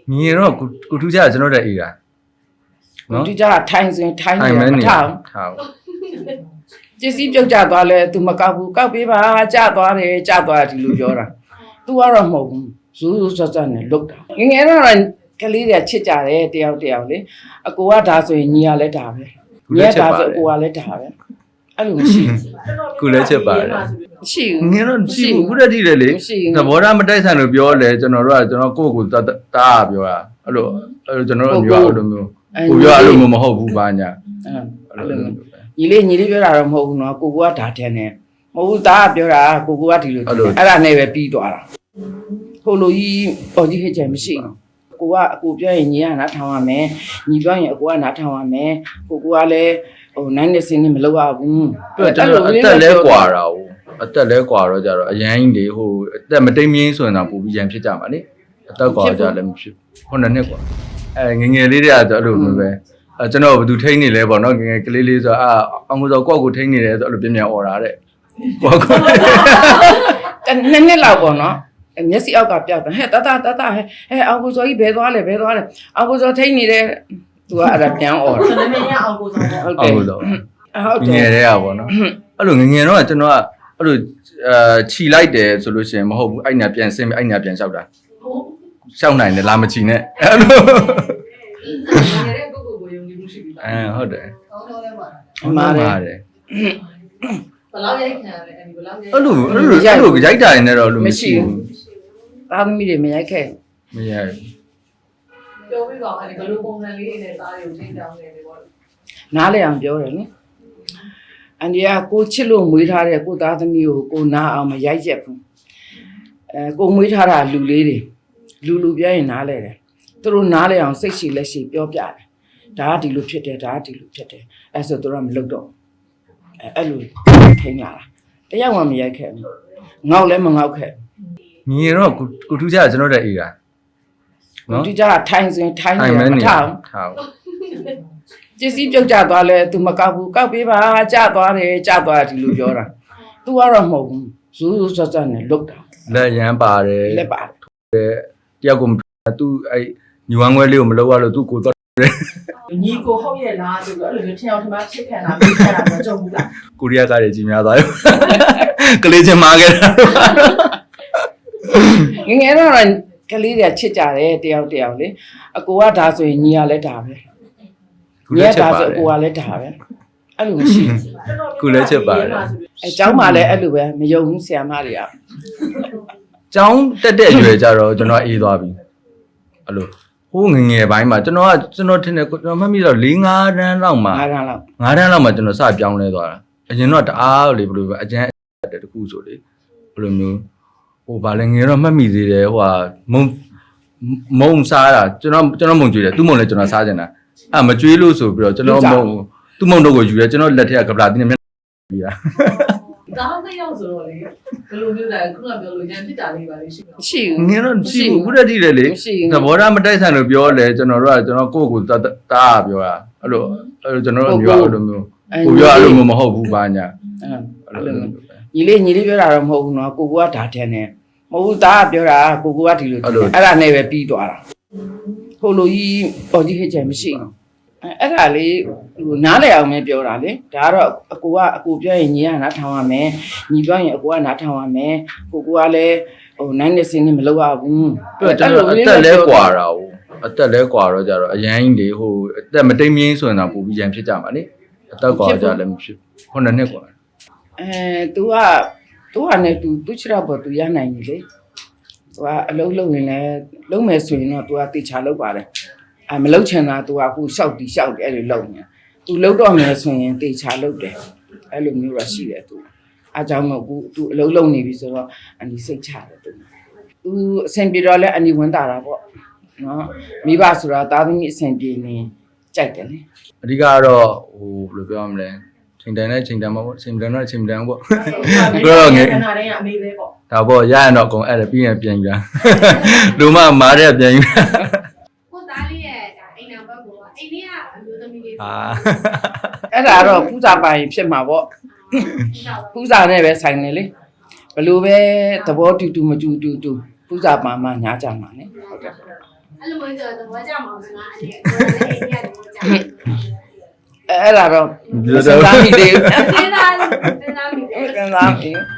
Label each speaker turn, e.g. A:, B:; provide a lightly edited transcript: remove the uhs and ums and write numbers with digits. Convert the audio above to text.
A: 你那古土家真的在伊个，
B: 喏，土家ထိုင်ဆိုရင်ထိုင်နေမထားပစ္စည်းပြုတ်ကျသွားလဲ तू မကောက်ဘူးကောက်ပေးပါကျသွားတယ်ကျသွားဒီလိုပြောတာ तू ကတော့မဟုတ်ဘူးဇူးဇူးဆက်ဆက်နဲ့လုတ်တာငငယ်တော့ကလေးတွေချစ်ကြတယ်တယောက်လေအကိုကဒါဆိုရင်ညီကလည်းဒါပဲညီကဒါဆိုအကိုကလည်းဒါပဲအဲ့လိုမရှိဘူး
A: ကိုလည်းချက်ပါတယ်
B: မရှိဘူး
A: ငယ်တော့ရှိဘူးခုတည်းတည်းလေသဘောထားမတိုက်ဆိုင်လို့ပြောလဲကျွန်တော်တို့ကကျွန်တော်ကိုတားပြောတာအဲ့လိုကျွန်တော်တို့မျိုးအဲ့လိုမျိုးကိုပြောအဲ့လိုမျိုးမဟုတ်ဘူးပါညာအဲ့လို
B: ညီလေးပြောတာတော့မဟုတ်ဘူးနော်ကိုကဒါတန်းနေမဟုတ်ဘူးသားကပြောတာကိုကဒီလိုအဲ့ဒါနဲ့ပဲပြီးသွားတာဟိုလိုကြီးပေါ်ကြီးဟစ်ချင်မရှိဘူးကိုကအကိုပြောရင်ညီကနားထောင်ရမယ်ညီပြောရင်အကိုကနားထောင်ရမယ်ကိုကလည်းဟိုနိုင်နေစင်းနေမလုပ်ရဘူး
A: အဲ့ကျွန်တော်အသက်လဲကွာတာဟုတ်အသက်လဲကွာတော့ကြတော့အရန်ကြီးလေဟိုအသက်မတိမ်မင်းဆိုရင်တော့ပူပြီးရန်ဖြစ်ကြမှာလေအသက်ကွာကြလည်းမဖြစ်ခုနှစ်နှစ်ကွာငငယ်လေးတွေကအဲ့လိုမျိုးပဲကျွန်တော်ဘယ်သူထိန်းနေလဲပေါ့နော်ငငယ်ကလေးလေးဆိုအောင်ဆိုကိုယ့်ကိုထိန်းနေတယ်ဆိုအဲ့လိုပြင်းပြအော်တာတဲ့ကိုယ့်ကို
B: နှစ်နှစ်လောက်ပေါ့နော်မျက်စိအောက်ကပြောက်တယ်ဟဲ့တတဟဲ့အောင်ကိုစောကြီးဘယ်သွားလဲအောင်ကိုစောထိန်းနေတယ်သူကအဲ့ဒါပြန်အော်တယ်
C: နည်းနည်းအောင်ကိုစော
A: ဟုတ်တယ်ဟုတ်တယ်ငငယ်တွေကပေါ့နော်အဲ့လိုငငယ်တော့ကျွန်တော်ကအဲ့လိုခြီလိုက်တယ်ဆိုလို့ရှိရင်မဟုတ်ဘူးအဲ့ညာပြန်ဆင်းအဲ့ညာပြန်လျှောက်တာလျှောက်နိုင်တယ်လာမချီနဲ့အဲ့လိုဟုတ်တယ်
B: မားတယ်
C: ဘယ်လောက်ရိုက်ခံရလဲအဲ့ဒီဘယ်လောက်ရိုက်
A: အဲ့လိုရိုက်တာနေတော့လို့မရှိဘူး
B: သားသမီးတွေမရိုက်ခဲ့
A: မရိုက်
C: ပြောပြပါအဲ့ဒီဘယ်လိုပုံစံလေးနဲ့သားတွေကိုထိန်းကြောင်းနေတယ်ပေါ့
B: နားလေအောင်ပြောတယ်နော်အန်ဒီကကိုချစ်လို့မွေးထားတဲ့ကိုသားသမီးကိုနားအောင်မရိုက်ရက်ဘူးကိုမွေးထားတာလူလေးတွေလူပြောရင်နားလဲတယ်သူတို့နားလဲအောင်စိတ်ရှိလက်ရှိပြောပြတယ်ဒါကဒီလိုဖြစ်တယ်ဒါကဒီလိုဖြစ်တယ်အဲ့ဆိုသူတို့ကမလုပ်တော့အဲ့လိုထိန်းလာတာတယောက်မှမရိုက်ခဲ့ဘူးငေါက်လည်းမငေါက်ခဲ့
A: ညီတော့ကိုထူးကြကျွန်တော်တဲ့အေးက
B: နော်ဒီကြထိုင်ဆိုရင်ထိုင်နေမထားပစ္စည်းပြုတ်ကျသွားလဲ तू မကောက်ဘူးကောက်ပေးပါကျသွားတယ်ကျသွားဒီလိုပြောတာ तू ကတော့မဟုတ်ဘူးဇူးဇူးဆက်ဆက်နဲ့လုတ်တာ
A: လက်ရမ်းပါတယ်
B: လက်ပါတယ်
A: တယောက်ကိုသူအဲ့ညူဝမ်းခွဲလေးကိုမလုပ်ရလို့သူကိုတော့
C: ညီကိုဟုတ်ရဲ့လားဆိုတော့အဲ့လိုမျိုးထင်အောင်ထင်မှချစ်ခံတာပြီးခံတာမကြုံဘူးလား
A: ကိုရီးယားကားတွေကြီးများသွားရောကလေးချင်းမာခဲ့တာ
B: ငငယ်တော့ကလေးတွေချစ်ကြတယ်တယောက်လေအကိုကဒါဆိုရင်ညီကလည်းဒါပဲညီကဒါဆိုအကိုကလည်းဒါပဲအဲ့လိုမရှိဘူး
A: ကိုလည်းချက်ပါတယ်
B: အဲကျောင်းမှာလည်းအဲ့လိုပဲမယုံဘူးဆရာမတွေက
A: ကျောင်းတက်တဲ့အရွယ်ကြတော့ကျွန်တော်အေးသွားပြီအဲ့လိုဟိုးငငယ်ပိုင်းမှာကျွန်တော်ထင်တယ်ကျွန်တော်မှတ်မိတော့4-5တန်းလောက်မှာ
B: 5တန်းလောက်
A: မှာကျွန်တော်စပြောင်းလဲသွားတာအရင်တော့တအားလေဘယ်လိုပဲအကျန်းတခုဆိုလေဘယ်လိုမျိုးဟိုဗာလဲငယ်တော့မှတ်မိသေးတယ်ဟိုဟာမုံစားတာကျွန်တော်မုံကြွေးတယ်သူ့မုံလည်းကျွန်တော်စားကြတာအဲ့မကြွေးလို့ဆိုပြီးတော့ကျွန်တော်မုံသူ့မုံတော့ကိုယူရဲကျွန်တော်လက်ထက်ကကပလာတင်းနဲ့ပြီးတာ
C: ဒါမှမရောက်ဆိုတော့လေဘယ်လိုမျိုးလဲခုနပြောလို့ရန်ဖြစ်တာလေးပါလေရှိမှာ
B: ရှိဘူး
A: ငယ်တော့ရှိဘူးခုတည်းတည်းလေသဘောထားမတိုက်ဆိုင်လို့ပြောလဲကျွန်တော်တို့ကကျွန်တော်ကိုတားပြောတာအဲ့လိုကျွန်တော်တို့မျိုးအဲ့လိုမျိုးကိုပြောအဲ့လိုမျိုးမဟုတ်ဘူးပါညာ
B: အဲ့လိုညီလေးပြောတာတော့မဟုတ်ဘူးနော်ကိုကဒါတန်းနေမဟုတ်ဘူးသားကပြောတာကိုကဒီလိုအဲ့ဒါနဲ့ပဲပြီးသွားတာဟိုလိုကြီးပေါ်ကြီးဟစ်ချင်မရှိဘူးအဲ့ဒါလေးဟိုနားလဲအောင်ပဲပြောတာလေဒါကတော့အကိုပြောရင်ညီကနားထောင်ရမယ်ညီပြောရင်အကိုကနားထောင်ရမယ်ကိုကလည်းဟိုနိုင်နေစင်းနေမလုပ်ရဘူး
A: ကျွန်တော်အသက်လဲကွာတာဟုတ်အသက်လဲကွာတော့ကြတော့အရန်ကြီးလေဟိုအသက်မတိမ်မင်းဆိုရင်တော့ပူပြီးရန်ဖြစ်ကြမှာလေအသက်ကွာကြလည်းမဖြစ်ခုနှစ်နှစ်ကွာ
B: तू ကနဲ့ तू ချတော့ပေါ် तू ရနိုင်ပြီလေ तू ကအလုံးလုံးရင်လည်းလုံးမယ်ဆိုရင်တော့ तू ကတေချာလုပ်ပါတယ်မလုပ်ချင်တာ तू ကအခုရှောက်တယ်အဲ့လိုလုပ်နေ तू လုပ်တော့မယ်ဆိုရင်တေချာလုပ်တယ်အဲ့လိုမျိုးတော့ရှိတယ် तू အားကြောင့်မို့ तू အလုံးလုံးနေပြီဆိုတော့အနီစိတ်ချတယ် तू အဆင်ပြေတော့လဲအနီဝင်တာတာပေါ့နော်မိဘဆိုတာသားသမီးအဆင်ပြေနေကြိုက်တယ်လေ
A: အဓိကကတော့ဟိုဘယ်လိုပြောရမလဲချိန်တန်နဲ့ချိန်တန်မှာပေါ့ချိန်တန်တော့ချိန်တန်ပေါ့
C: တော့ငယ်ခဏတည်းကအမေပဲပေါ့
A: ဒါပေါ့ရရင်တော့အကုန်အဲ့ဒါပြီးရင်ပြန်ယူတာလူမမားတဲ့ပြန်ယူတာ
D: ကိုသားလေးရဲ့အိမ်နောက်ဘက်ကိုအိမ်လေးကအမျိုးသမီးလေး
B: အဲ့ဒါတော့ပူဇာပိုင်ဖြစ်မှာပေါ့ပူဇာနဲ့ပဲဆိုင်နေလေဘလို့ပဲသဘောတူမတူပူဇာပါမှညာကြမှာ ਨੇ ဟုတ်တယ်
D: အဲ့လိုမျိုးဆိုတော့ဘောကြမှာဆိုတော့အဲ့ဒီအိမ်ရတယ်ဘောကြ
B: အဲ့ဒါတော့စဉ်းစားမိသေးဘူး
D: စဉ်းစားမိတယ်
B: စဉ်းစားမိ